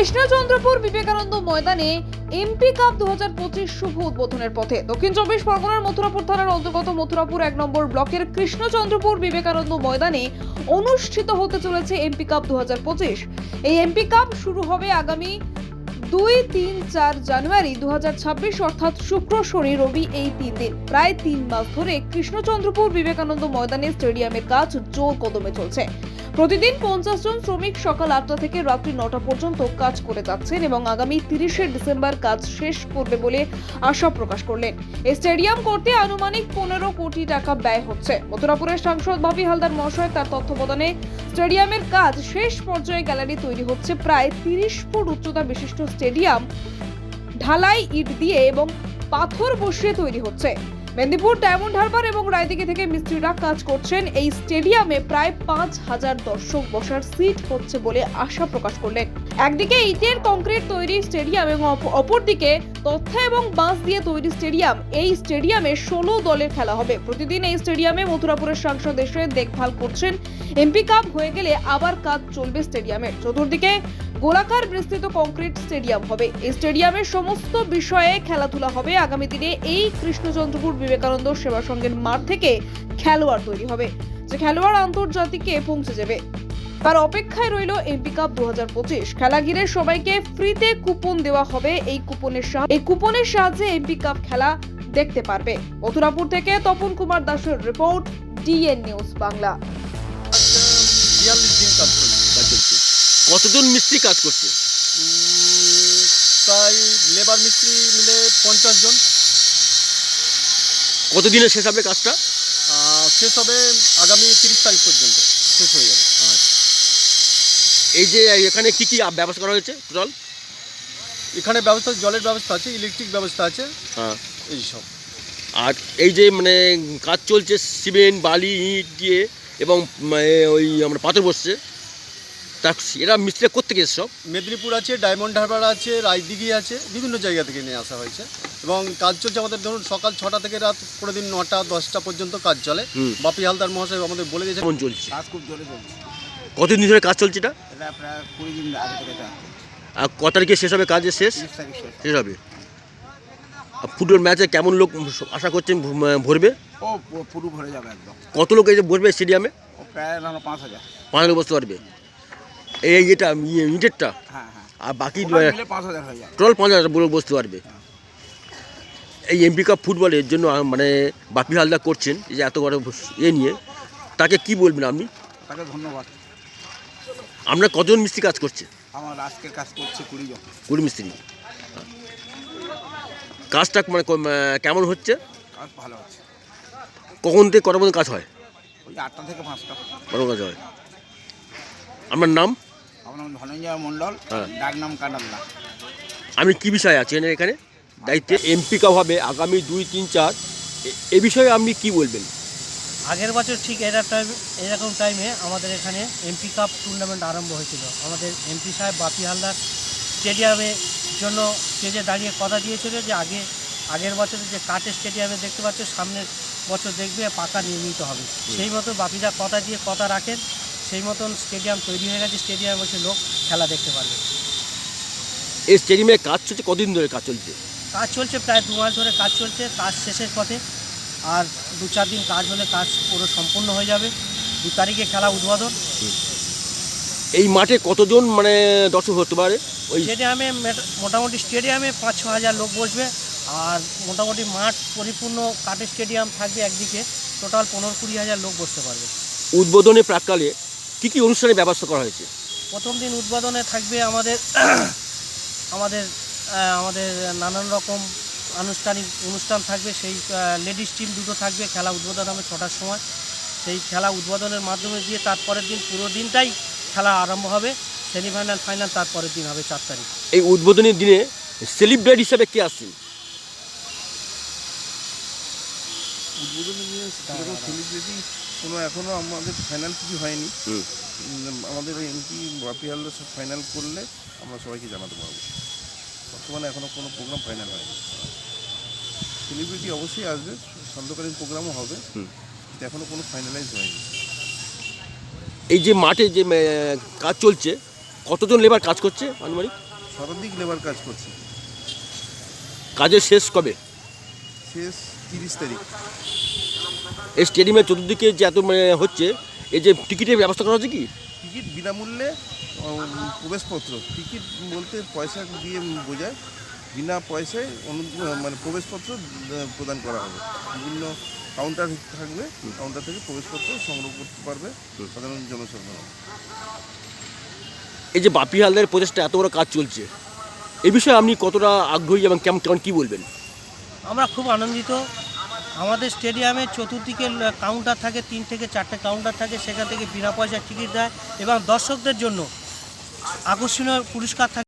কৃষ্ণচন্দ্রপুর বিবেকানন্দ ময়দানে MP cup 2025 শুভ উদ্বোধনের পথে দক্ষিণ চব্বিশ পরগনার মথুরাপুর থানার অন্তর্গত মথুরাপুর 1 নম্বর ব্লকের কৃষ্ণচন্দ্রপুর বিবেকানন্দ ময়দানে অনুষ্ঠিত হতে চলেছে এমপি কাপ 2025। এই এমপি কাপ শুরু হবে আগামী 2, 3, 4 জানুয়ারি 2026 অর্থাৎ শুক্র, শনি, রবি এই 3 দিন প্রায় 3 মাস ধরে কৃষ্ণচন্দ্রপুর বিবেকানন্দ ময়দানে স্টেডিয়ামের কাজ জোর কদমে চলছে। প্রতিদিন 50 জন শ্রমিক সকাল 8টা থেকে রাত্রি 9টা পর্যন্ত কাজ করে যাচ্ছেন এবং আগামী 30শে ডিসেম্বর কাজ শেষ করবে বলে আশা প্রকাশ করলেন। এই স্টেডিয়াম করতে আনুমানিক 15 কোটি টাকা ব্যয় হচ্ছে। মথুরাপুরের সাংসদ বাপি হালদার মহাশয় তার তত্ত্বাবধানে স্টেডিয়ামের কাজ শেষ পর্যায়ে গ্যালারি তৈরি হচ্ছে। প্রায় 30 ফুট উচ্চতা বিশিষ্ট স্টেডিয়াম ঢালাই ইট দিয়ে এবং পাথর বসিয়ে তৈরি হচ্ছে। মেদিনীপুর, ডায়মন্ড হারবার এবং রায়দিঘি থেকে মিস্ত্রিরা কাজ করছেন। এই স্টেডিয়ামে প্রায় 5000 দর্শক বসার সিট হচ্ছে বলে আশা প্রকাশ করলেন। একদিকে ইটের কংক্রিট তৈরি স্টেডিয়াম এবং অপরদিকে তথ্য এবং বাঁশ দিয়ে তৈরি স্টেডিয়াম। এই স্টেডিয়ামে 16 দলের খেলা হবে। প্রতিদিন এই স্টেডিয়ামে মথুরাপুরের সাংসদ এসে দেখভাল করছেন। এমপি কাপ হয়ে গেলে আবার কাজ চলবে স্টেডিয়ামের। চতুর্দিকে গোলাকার বিস্তৃত কংক্রিট স্টেডিয়াম হবে। এই স্টেডিয়ামের সমস্ত বিষয়ে খেলাধুলা হবে। আগামী দিনে এই কৃষ্ণচন্দ্রপুর বিবেকানন্দ সেবা সংঘের মাঠ থেকে খেলোয়াড় তৈরি হবে, যে খেলোয়াড় আন্তর্জাতিকে পৌঁছে যাবে। তার অপেক্ষায় রইল এমপি কাপ 2025। খেলা ঘিরে সবাইকে ফ্রিতে কুপন দেওয়া হবে। এই কুপনের সাহায্যে এমপি কাপ খেলা দেখতে পারবে। মথুরাপুর থেকে তপন কুমার দাসের রিপোর্ট, ডিএন নিউজ বাংলা। 42 দিন কাজ চলছে। কতজন মিস্ত্রি কাজ করছে? প্রায় লেবার মিস্ত্রি মিলে 50 জন। কতদিনে শেষ হবে কাজটা? শেষ হবে আগামী 30 তারিখ পর্যন্ত শেষ হয়ে যাবে। এই যে এখানে কি কি ব্যবস্থা করা হয়েছে টোটাল? এখানে ব্যবস্থা, জলের ব্যবস্থা আছে, ইলেকট্রিক ব্যবস্থা আছে, হ্যাঁ এইসব। আর এই যে মানে কাজ চলছে সিমেন্ট, বালি, ইট দিয়ে এবং ওই আমরা পাথর বসছে, তা এরা মিস্ত্রি কোত্থেকে এসে সব? মেদিনীপুর আছে, ডায়মন্ড হারবার আছে, রায়দিঘি আছে, বিভিন্ন জায়গা থেকে নিয়ে আসা হয়েছে এবং কাজ চলছে আমাদের। ধরুন সকাল 6টা থেকে রাত প্রতিদিন 9টা 10টা পর্যন্ত কাজ চলে। বাপি হালদার মহাশয় আমাদের বলে দিয়েছে। কেমন চলছে কাজ? খুব জোরে চলছে। কতদিন ধরে কাজ চলছে এটা? এটা প্রায় 20 দিন আগে থেকে এটা আর কত তারিখে শেষ হবে কাজের? 30 তারিখ শেষ হবে। আর ফুটবল ম্যাচে কেমন লোক আশা করছেন ভরবে? ও পুরো ভরে যাবে একদম। কত লোক এই যে ভরবে স্টেডিয়ামে? ও প্রায় 5000। 5000 বসতে পারবে। এই এটা ইটেরটা হ্যাঁ হ্যাঁ, আর বাকি মিলে 5000 হয়ে যাবে। টোটাল 5000 লোক বসতে পারবে। এই এমপি কাপ ফুটবলের জন্য মানে বাপি হালদার করছেন এই যে এত বড় নিয়ে, তাকে কি বলবেন আপনি? তাকে ধন্যবাদ। আপনার কতজন মিস্ত্রি কাজ করছে? আমার আজকের কাজ করছে 20 জন। 20 মিস্ত্রি। কাজটা মানে কেমন হচ্ছে? কাজ ভালো হচ্ছে। কখন থেকে কটার মধ্যে কাজ হয়? ওই 8টা থেকে 5টা বড় কাজ হয়। আপনার নাম? আমার নাম ধনঞ্জয় মণ্ডল, হ্যাঁ। ডাক নাম কানাল্লা। আমি কি বিষয়ে আছেন এখানে দায়িত্বে? এমপি কাপ হবে আগামী 2, 3, 4, এ বিষয়ে আপনি কি বলবেন? আগের বছর ঠিক এরকম টাইমে আমাদের এখানে এমপি কাপ টুর্নামেন্ট আরম্ভ হয়েছিল। আমাদের এমপি সাহেব বাপি হালদার স্টেডিয়ামের জন্য স্টেজে দাঁড়িয়ে কথা দিয়েছিল যে আগের বছরে যে কাঠের স্টেডিয়ামে দেখতে পাচ্ছ, সামনের বছর দেখবে পাকা নির্মিত হবে। সেই মতো বাপিদা কথা দিয়ে কথা রাখেন। সেই মতন স্টেডিয়াম তৈরি হয়ে গেছে। স্টেডিয়ামে বসে লোক খেলা দেখতে পারবে। এই স্টেডিয়ামে কাজ চলছে কতদিন ধরে কাজ চলছে? কাজ চলছে প্রায় 2 মাস ধরে কাজ চলছে। কাজ শেষের পথে। আর 2-4 দিন কাজ হলে কাজ পুরো সম্পূর্ণ হয়ে যাবে। 2 তারিখে খেলা উদ্বোধন। এই মাঠে কতজন মানে দর্শক হতে পারে? ওই স্টেডিয়ামে মোটামুটি স্টেডিয়ামে 5-6 হাজার লোক বসবে। আর মোটামুটি মাঠ পরিপূর্ণ কাঠের স্টেডিয়াম থাকবে একদিকে। টোটাল 15-20 হাজার লোক বসতে পারবে। উদ্বোধনের প্রাক্কালে কী কী অনুষ্ঠানের ব্যবস্থা করা হয়েছে? প্রথম দিন উদ্বোধনে থাকবে আমাদের নানান রকম আনুষ্ঠানিক অনুষ্ঠান থাকবে। সেই লেডিস টিম 2টো থাকবে। খেলা উদ্বোধন হবে 6টার সময়। সেই খেলা উদ্বোধনের মাধ্যমে দিয়ে তারপরের দিন পুরো দিনটাই খেলা আরম্ভ হবে। সেমিফাইনাল, ফাইনাল তারপরের দিন হবে 4 তারিখ। এই উদ্বোধনের দিনে সেলিব্রেট হিসাবে কে আসছেন? উদ্বোধনের দিনে সেরকম সেলিব্রিটি কোনো এখনও আমাদের ফাইনাল কিছু হয়নি। আমাদের এমপি বাপি হালদার সব ফাইনাল করলে আমরা সবাইকে জানাতে পারবো। বর্তমানে এখনও কোনো প্রোগ্রাম ফাইনাল হয়নি। সেলিব্রিটি অবশ্যই আসবে, সান্ধ্যকালীন প্রোগ্রামও হবে, কিন্তু এখনও কোনো ফাইনালাইজ হয়নি। এই যে মাঠে যে কাজ চলছে, কতজন লেবার কাজ করছে আনুমানিক? শতাধিক লেবার কাজ করছে। কাজের শেষ কবে? শেষ 30 তারিখ। এই স্টেডিয়ামের চতুর্দিকে যে এত মানে হচ্ছে, এই যে টিকিটের ব্যবস্থা করা হচ্ছে কি? টিকিট বিনামূল্যে প্রবেশপত্র, টিকিট বলতে পয়সা দিয়ে বোঝায়, বিনা পয়সায় মানে প্রবেশপত্র প্রদান করা হবে। বিভিন্ন কাউন্টার থাকবে, কাউন্টার থেকে প্রবেশপত্র সংগ্রহ করতে পারবে সাধারণ জনসাধারণ। এই যে বাপি হালদারের প্রচেষ্টা এত বড় কাজ চলছে, এই বিষয়ে আপনি কতটা আগ্রহী এবং কেমন কেমন কী বলবেন? আমরা খুব আনন্দিত। আমাদের স্টেডিয়ামে চতুর্দিকে কাউন্টার থাকে, 3 থেকে 4টে কাউন্টার থাকে, সেখান থেকে বিনা পয়সায় টিকিট দেয় এবং দর্শকদের জন্য আকর্ষণীয় পুরস্কার থাকে।